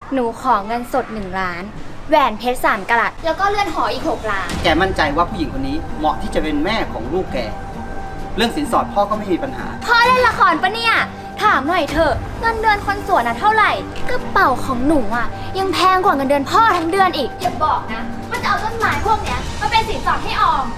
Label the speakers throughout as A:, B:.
A: หนูขอเงินสด1 ล้านแหวนเพชร3 กะรัตแล้วก็เลื่อนหออีก6 ล้าน
B: แกมั่นใจว่าผู้หญิงคนนี้เหมาะที่จะเป็นแม่ของลูกแกเรื่องสินสอดพ่อก็ไม่มีปัญหา
A: พ่อเล่นละครปะเนี่ยถามหน่อยเถอะเงินเดือนคนสวนเท่าไหร่กระเป๋าของหนูยังแพงกว่าเงินเดือนพ่อทั้งเดือนอีกอย่าบอกนะว่าจะเอาต้นไม้พวกเนี้ยมาเป็นสินสอดให้ออม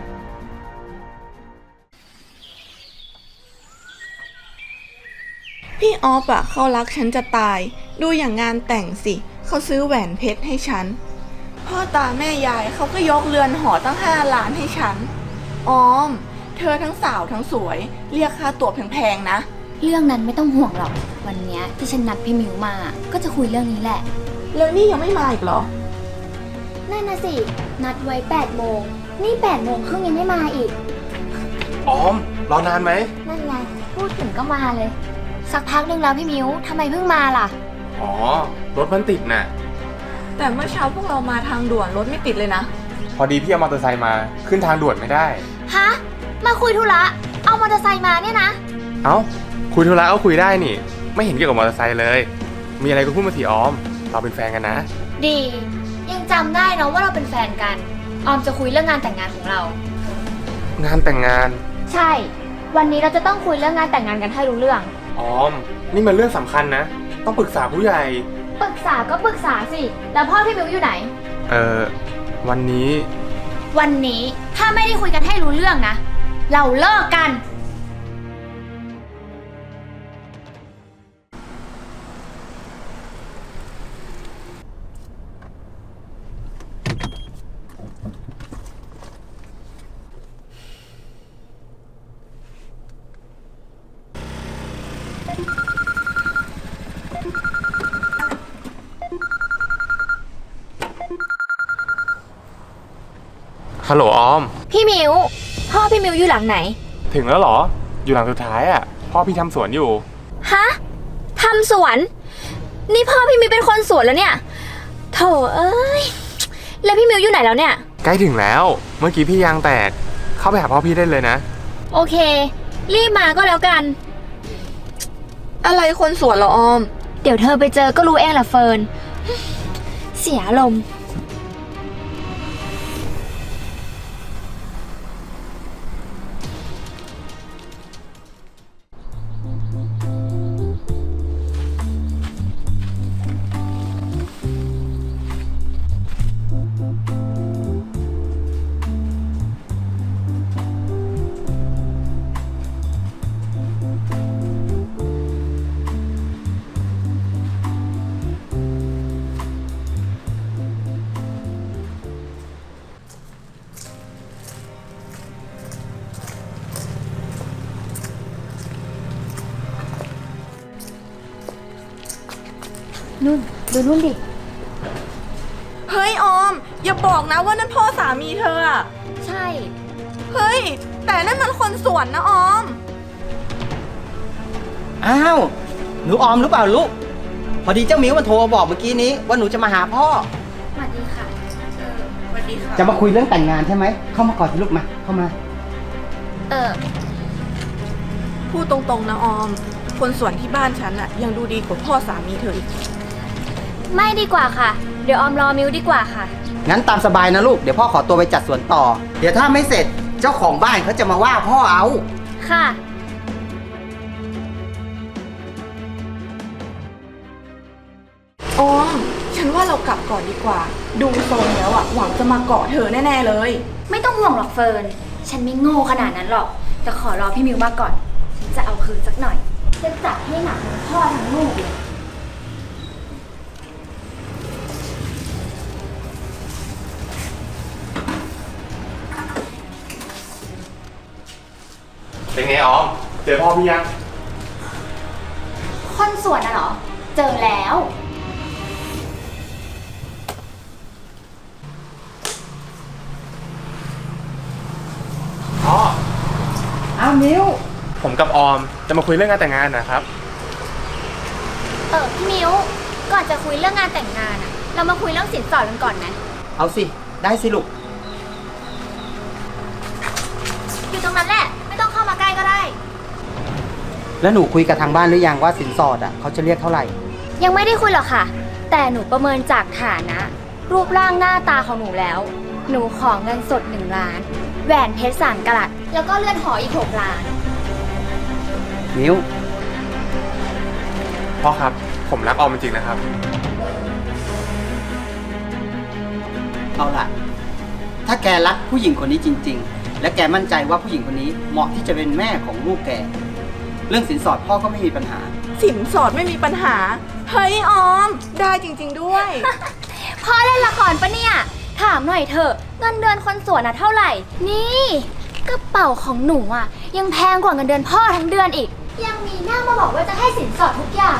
C: พี่ออฟเขารักฉันจะตายดูอย่างงานแต่งสิเขาซื้อแหวนเพชรให้ฉันพ่อตาแม่ยายเขาก็ยกเรือนหอตั้ง5 ล้านให้ฉันออมเธอทั้งสาวทั้งสวยเรียกค่าตั๋วแพงๆนะ
A: เรื่องนั้นไม่ต้องห่วงหรอกวันเนี้ยที่ฉันนัดพี่มิวมาก็จะคุยเรื่องนี้แหละ
C: แล้วนี่ยังไม่มาอีกเหรอ
A: นั่นนะสินัดไว้8 โมงนี่8 โมงครึ่งยังไม่มาอีก
D: ออมรอนานไหม
A: นั่นไงพูดถึงก็มาเลยสักพักนึงแล้วพี่มิวทำไมเพิ่งมาล่ะ
D: อ๋อรถมันติดน่ะ
C: แต่เมื่อเช้าพวกเรามาทางด่วนรถไม่ติดเลยนะ
D: พอดีพี่เอามอเตอร์ไซค์มาขึ้นทางด่วนไม่ได้
A: ฮะมาคุยธุระเอามอเตอร์ไซค์มาเนี่ยนะ
D: เอ้าคุยธุระก็คุยได้นี่ไม่เห็นเกี่ยวกับมอเตอร์ไซค์เลยมีอะไรก็พูดมาสิออมเราเป็นแฟนกันนะ
A: ดียังจำได้เนาะว่าเราเป็นแฟนกันออมจะคุยเรื่องงานแต่งงานของเรา
D: งานแต่งงาน
A: ใช่วันนี้เราจะต้องคุยเรื่องงานแต่งงานกันให้รู้เรื่อง
D: ออมนี่มันเรื่องสำคัญนะต้องปรึกษาผู้ใหญ่
A: ปรึกษาก็ปรึกษาสิแล้วพ่อพี่มิวอยู่ไหน
D: วัน
A: นี้ถ้าไม่ได้คุยกันให้รู้เรื่องนะเราเลิกกัน
D: ฮัลโหลออม
A: พี่มิวพ่อพี่มิวอยู่หลังไหน
D: ถึงแล้วเหรออยู่หลังสุดท้ายพ่อพี่ทำสวนอยู่
A: ฮะทำสวนนี่พ่อพี่มิวเป็นคนสวนแล้วเนี่ยโถเอ้ยแล้วพี่มิวอยู่ไหนแล้วเนี่ย
D: ใกล้ถึงแล้วเมื่อกี้พี่ยางแตกเข้าไปหาพ่อพี่ได้เลยนะ
A: โอเครีบมาก็แล้วกัน
C: อะไรคนสวนเหรอออม
A: เดี๋ยวเธอไปเจอก็รู้เองแหละเฟิร์นเสียอารมณ์นู่นดูนู่นดิ
C: เฮ้ยออมอย่าบอกนะว่านั่นพ่อสามีเธอ
A: ใช่
C: เฮ้ยแต่นั่นมันคนสวนนะออม
B: อ้าวหนูออมหรือเปล่าลูกพอดีเจ้ามิวมันโทรมาบอกเมื่อกี้นี้ว่าหนูจะมาหาพ่อ
A: สวัสดีค่ะ
C: สวัสดีค่ะ
B: จะมาคุยเรื่องแต่งงานใช่ไหมเข้ามาก่อนสิลูกมาเข้ามา
C: พูดตรงๆนะออมคนสวนที่บ้านฉันยังดูดีกว่าพ่อสามีเธออีก
A: ไม่ดีกว่าค่ะเดี๋ยวออมรอมิวดีกว่าค่ะ
B: งั้นตามสบายนะลูกเดี๋ยวพ่อขอตัวไปจัดสวนต่อเดี๋ยวถ้าไม่เสร็จเจ้าของบ้านเขาจะมาว่าพ่อเอา
A: ค่ะ
C: ออมฉันว่าเรากลับก่อนดีกว่าดูทรงแล้วหวังจะมาเกาะเธอแน่ๆเลย
A: ไม่ต้องห่วงหรอกเฟิร์นฉันไม่โง่ขนาดนั้นหรอกแต่ขอรอพี่มิวมาก่อนฉันจะเอาคืนสักหน่อยจะจัดให้หนักทั้งพ่อทั้งลูกเลย
D: เป็นไงออมเจอพ่อพี่ยัง
A: คนสวนน่ะเหรอเจอแล้ว
D: พ่อ
B: อ้าวมิว
D: ผมกับออมจะมาคุยเรื่องงานแต่งงานนะครับ
A: พี่มิวก่อนจะคุยเรื่องงานแต่งงานเรามาคุยเรื่องสินสอดกันก่อนไหม
B: เอาสิได้สิลูก
A: อยู่ตรงนั้นแหละไม่ต้องเข้ามาใกล้ก็ได้
B: แล้วหนูคุยกับทางบ้านหรือยังว่าสินสอดเขาจะเรียกเท่าไหร่
A: ยังไม่ได้คุยหรอกค่ะแต่หนูประเมินจากฐานะ รูปร่างหน้าตาของหนูแล้ว หนูขอเงินสด1 ล้าน แหวนเพชร3 กะรัตแล้วก็เรือนหออีก6 ล้าน
B: มิว
D: พ่อครับผมรักออมจริงๆนะครับ
B: เอาล่ะ ถ้าแกรักผู้หญิงคนนี้จริง ๆ และแกมั่นใจว่าผู้หญิงคนนี้เหมาะที่จะเป็นแม่ของลูกแก เรื่องสินสอดพ่อก็ไม่มีปัญหา
C: สินสอดไม่มีปัญหา เฮ้ยออม ได้จริง ๆด้วย
A: พ่อเล่นละครปะเนี่ย ถามหน่อยเถอะเงินเดือนคนสวนเท่าไหร่ นี่กระเป๋าของหนูยังแพงกว่าเงินเดือนพ่อทั้งเดือนอีก ยังมีหน้ามาบอกว่าจะให้สินสอดทุกอย่าง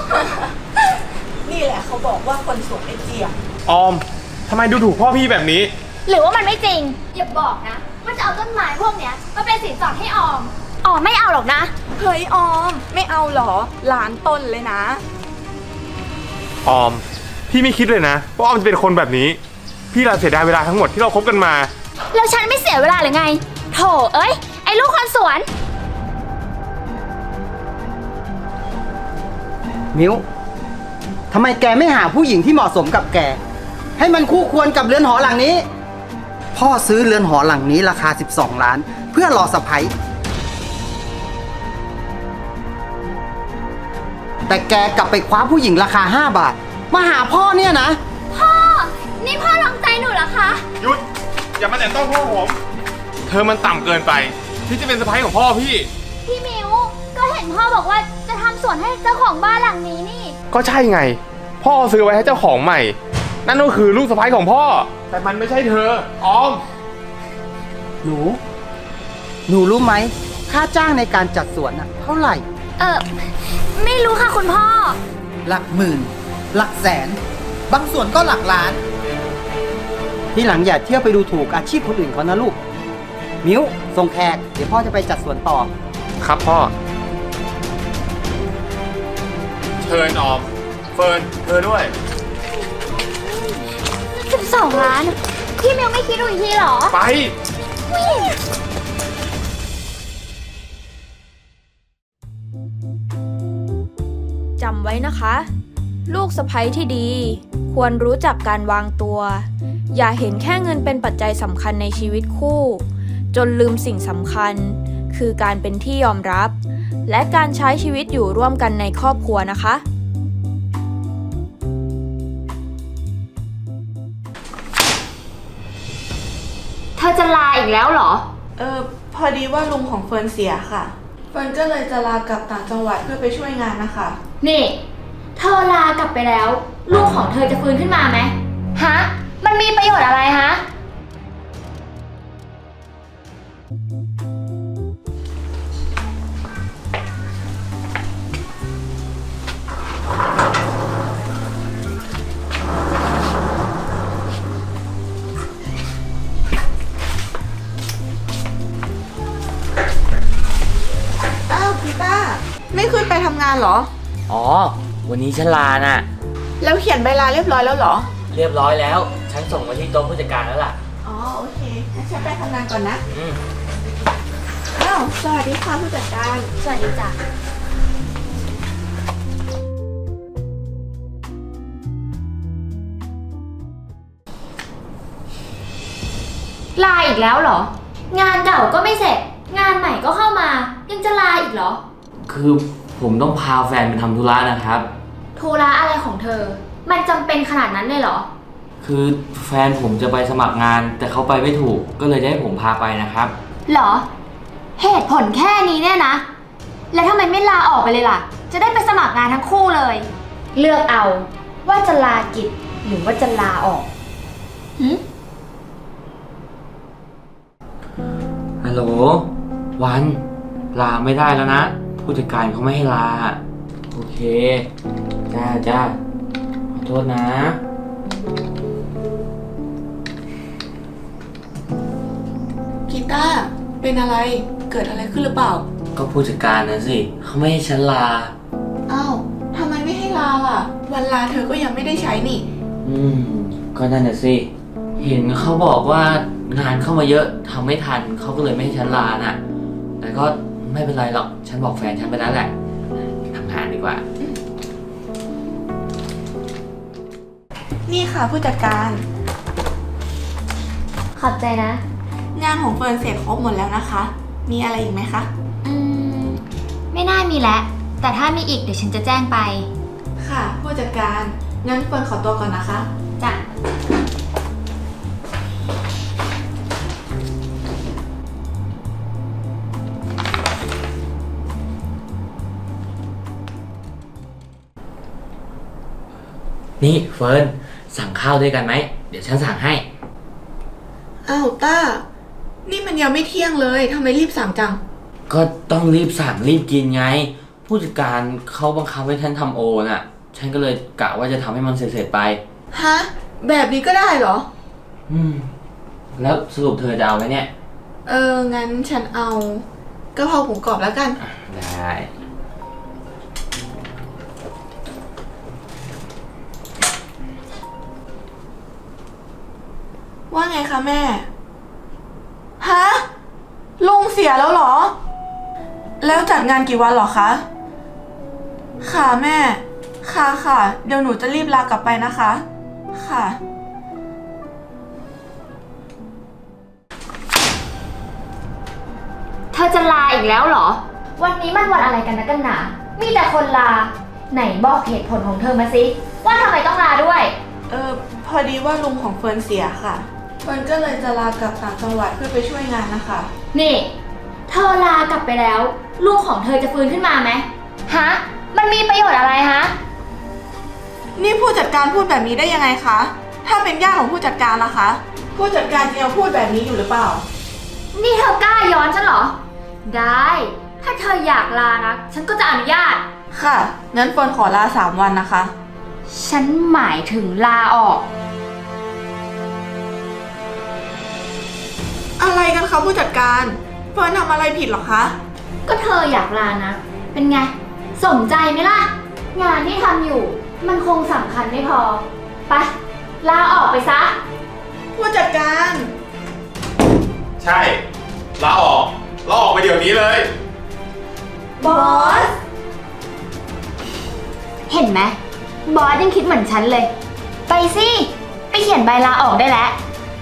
C: นี่แหละเขาบอกว่าคนสวยไอเจียม
D: ออมทำไมดูถูกพ่อพี่แบบนี้
A: หรือว่ามันไม่จริง อย่าบอกนะว่าจะเอาต้นไม้พวกเนี้ยมาเป็นสินสอดให้ออมไม่เอาหรอกนะ
C: เฮ้ยออม ไม่เอาเหรอล้านต้นเลยนะ
D: ออม พี่ไม่คิดเลยนะว่าออมจะเป็นคนแบบนี้ พี่เราเสียดายเวลาทั้งหมดที่เราคบกันมา
A: แล้วฉันไม่เสียเวลาหรือไง โถเอ้ย ไอ้ลูกคนสวน
B: มิวทำไมแกไม่หาผู้หญิงที่เหมาะสมกับแก ให้มันคู่ควรกับเรือนหอหลังนี้ พ่อซื้อเรือนหอหลังนี้ราคา12 ล้าน เพื่อรอสะใภ้แต่แกกลับไปคว้าผู้หญิงราคา5 บาท มาหาพ่อเนี่ยนะ
A: พ่อ นี่พ่อลองใจหนูเหรอคะ
D: หยุด อย่ามาแตะต้องพ่อผม เธอมันต่ำเกินไปที่จะเป็นสะใภ้ของพ่อพี่
A: พี่มิว ก็เห็นพ่อบอกว่าจะทำสวนให้เจ้าของบ้านหลังนี้นี่
D: ก็ใช่ไง พ่อซื้อไว้ให้เจ้าของใหม่ นั่นก็คือลูกสะใภ้ของพ่อ แต่มันไม่ใช่เธอ ออม
B: หนูรู้ไหมค่าจ้างในการจัดสวนเท่าไหร่
A: ไม่รู้ค่ะคุณพ่อ
B: หลักหมื่น หลักแสน บางส่วนก็หลักล้าน ที่หลังอย่าเที่ยวไปดูถูกอาชีพคนอื่นเขานะลูก มิ้วส่งแขก เดี๋ยวพ่อจะไปจัดสวนต่อ
D: ครับพ่อ เชิญออม เฟิร์นเธอด้วย
A: 12 ล้าน พี่มิวไม่คิดดูอีกทีเหรอ
D: ไป
E: จำไว้นะคะ ลูกสะใภ้ที่ดี ควรรู้จักการวางตัว อย่าเห็นแค่เงินเป็นปัจจัยสำคัญในชีวิตคู่ จนลืมสิ่งสำคัญ คือการเป็นที่ยอมรับ และการใช้ชีวิตอยู่ร่วมกันในครอบครัวนะคะ
A: เธอจะลาอีกแล้วเหรอ
C: พอดีว่าลุงของเฟิร์นเสียค่ะ เฟิร์นก็เลยจะลากลับต่างจังหวัดเพื่อไปช่วยงานนะคะ
A: นี่ เธอลากลับไปแล้ว ลูกของเธอจะฟื้นขึ้นมาไหมฮะ มันมีประโยชน์อะไรฮะ
C: อ้าวพีต้าไม่ขึ้นไปทำงานเหรอ
F: อ๋อ วันนี้ฉันลาน่ะ
C: แล้วเขียนใบลาเรียบร้อยแล้วเหรอ
F: เรียบร้อยแล้ว ฉันส่งมาที่โต๊ะผู้จัดการแล้วล่ะ
C: อ๋อโอเคงั้นฉันไปทำงานก่อนนะ
F: อืม
C: อ้าวสวัสดีค่ะผู้จัดการ
A: สวัสดีจ้ะ ลาอีกแล้วเหรอ งานเก่าก็ไม่เสร็จ งานใหม่ก็เข้ามา ยังจะลาอีกเหรอ
F: คือผมต้องพาแฟนไปทำธุระนะครับ
A: ธุระอะไรของเธอ มันจำเป็นขนาดนั้นเลยเหรอ
F: คือแฟนผมจะไปสมัครงาน แต่เขาไปไม่ถูก ก็เลยจะให้ผมพาไปนะครับ
A: เหรอ เหตุผลแค่นี้เนี่ยนะ แล้วทำไมไม่ลาออกไปเลยล่ะ จะได้ไปสมัครงานทั้งคู่เลย เลือกเอาว่าจะลากิจหรือว่าจะลาออกหืม
F: ฮัลโหล วัน ลาไม่ได้แล้วนะ ผู้จัดการเขาไม่ให้ลา โอเค จ้า ขอโทษนะ
C: กีตาร์เป็นอะไร เกิดอะไรขึ้นหรือเปล่า
F: ก็ผู้จัดการนะสิเขาไม่ให้ฉันลา
C: อ้าวทำไมไม่ให้ลาล่ะ วันลาเธอก็ยังไม่ได้ใช้นี่
F: ก็นั่นน่ะสิ เห็นเขาบอกว่างานเข้ามาเยอะทำไม่ทันเขาก็เลยไม่ให้ฉันลาน่ะ แต่ก็ไม่เป็นไรหรอก ฉันบอกแฟนฉันไปแล้วแหละทำงานดีกว่า
C: นี่ค่ะผู้จัดการ
A: ขอบใจนะ
C: งานของเฟิร์นเสร็จครบหมดแล้วนะคะ มีอะไรอีกไหมคะ
A: ไม่น่ามีแล้ว แต่ถ้ามีอีกเดี๋ยวฉันจะแจ้งไป
C: ค่ะผู้จัดการ งั้นเฟิร์นขอตัวก่อนนะคะ
A: จ้ะ
F: นี่เฟิร์นสั่งข้าวด้วยกันไหม เดี๋ยวฉันสั่งให้
C: อ้าวต้า นี่มันยังไม่เที่ยงเลยทำไมรีบสั่งจัง
F: ก็ต้องรีบสั่งรีบกินไง ผู้จัดการเขาบังคับให้ฉันทำโอน่ะ ฉันก็เลยกะว่าจะทำให้มันเสร็จๆไป
C: ฮะ แบบนี้ก็ได้เหรอ
F: แล้วสรุปเธอจะเอาไหมเนี่ย
C: งั้นฉันเอากะเพราหมูกรอบแล้วกัน
F: ได้
C: ว่าไงคะแม่ ฮะ ลุงเสียแล้วเหรอ แล้วจัดงานกี่วันเหรอคะ ค่ะแม่ ค่ะ เดี๋ยวหนูจะรีบลากลับไปนะคะ ค่ะ
A: เธอจะลาอีกแล้วเหรอ วันนี้มันวันอะไรกันนะกันหนา มีแต่คนลา ไหนบอกเหตุผลของเธอมาสิ ว่าทำไมต้องลาด้วย
C: พอดีว่าลุงของเฟิร์นเสียค่ะ เฟิร์นก็เลยจะลากลับต่างจังหวัดเพื่อไปช่วยงานนะคะ
A: นี่ เธอลากลับไปแล้ว ลูกของเธอจะฟื้นขึ้นมาไหมฮะ มันมีประโยชน์อะไรฮะ
C: นี่ผู้จัดการพูดแบบนี้ได้ยังไงคะ ถ้าเป็นญาติของผู้จัดการล่ะคะ ผู้จัดการจะยังพูดแบบนี้อยู่หรือเปล่า
A: นี่เธอกล้าย้อนฉันเหรอ ได้ ถ้าเธออยากลานะ ฉันก็จะอนุญาต
C: ค่ะ งั้นเฟิร์นขอลา3 วันนะคะ
A: ฉันหมายถึงลาออก
C: อะไรกันคะผู้จัดการ เฟิร์นทำอะไรผิดเหรอคะ
A: ก็เธออยากลานะ เป็นไง สมใจไหมล่ะ งานที่ทำอยู่ มันคงสำคัญไม่พอ ไป ลาออกไปซะ
C: ผู้จัดการ
D: ใช่ลาออกไปเดี๋ยวนี้เลย
C: บอส
A: เห็นไหมบอสยังคิดเหมือนฉันเลย ไปสิ ไปเขียนใบลาออกได้แล้ว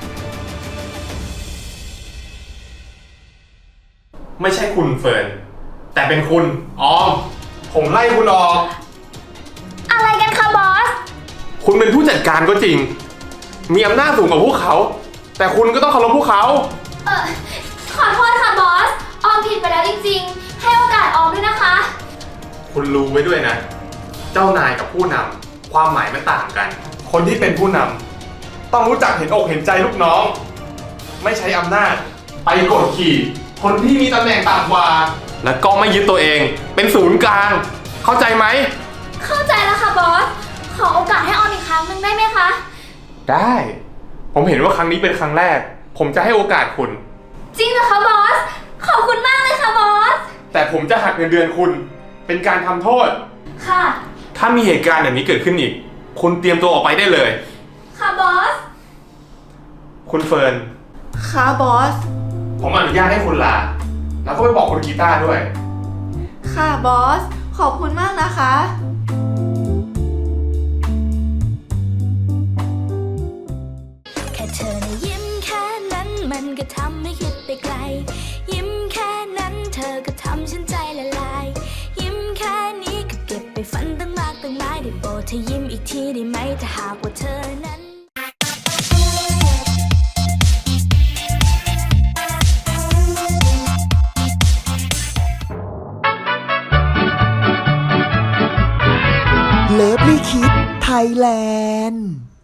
D: ไม่ใช่คุณเฟิร์น แต่เป็นคุณออม ผมไล่คุณออก
A: อะไรกันคะบอส
D: คุณเป็นผู้จัดการก็จริง มีอำนาจสูงกว่าพวกเขา แต่คุณก็ต้องเคารพพวกเขา
A: ขอโทษค่ะบอส ออมผิดไปแล้วจริงๆ ให้โอกาสออมด้วยนะคะ
D: คุณรู้ไว้ด้วยนะ เจ้านายกับผู้นำความหมายมันต่างกัน คนที่เป็นผู้นำต้องรู้จักเห็นอกเห็นใจลูกน้อง ไม่ใช้อำนาจไปกดขี่ คนที่มีตำแหน่งต่ำกว่า และก็ไม่ยึดตัวเองเป็นศูนย์กลาง เข้าใจไหม
A: เข้าใจแล้วค่ะบอส ขอโอกาสให้ออมอีกครั้งหนึ่งได้ไหมคะ
D: ได้ ผมเห็นว่าครั้งนี้เป็นครั้งแรก ผมจะให้โอกาสคุณ
A: จริงเหรอคะบอส ขอบคุณมากเลยค่ะบอส
D: แต่ผมจะหักเงินเดือนคุณ เป็นการทำโทษ
A: ค่ะ
D: ถ้ามีเหตุการณ์แบบนี้เกิดขึ้นอีก คุณเตรียมตัวออกไปได้เลย
A: ค่ะบอส
D: คุณเฟิร์น
C: ค่ะบอส
D: ผมอนุญาตให้คุณลา แล้วก็ไปบอกคุณกีตาร์ด้วย
C: ค่ะบอส ขอบคุณมากนะคะ
G: แค่เธอนะยิ้มแค่นั้นมันก็ทำให้คิดไปไกล ยิ้มแค่นั้นเธอก็ทำฉันใจละลาย ยิ้มแค่นี้ก็เก็บไปฝันตั้งมากตั้งหลายได้โปรดเธอยิ้มอีกทีได้ไหมถ้าหากว่าเธอนั้น
H: เลิฟลี่คิดไทยแลนด์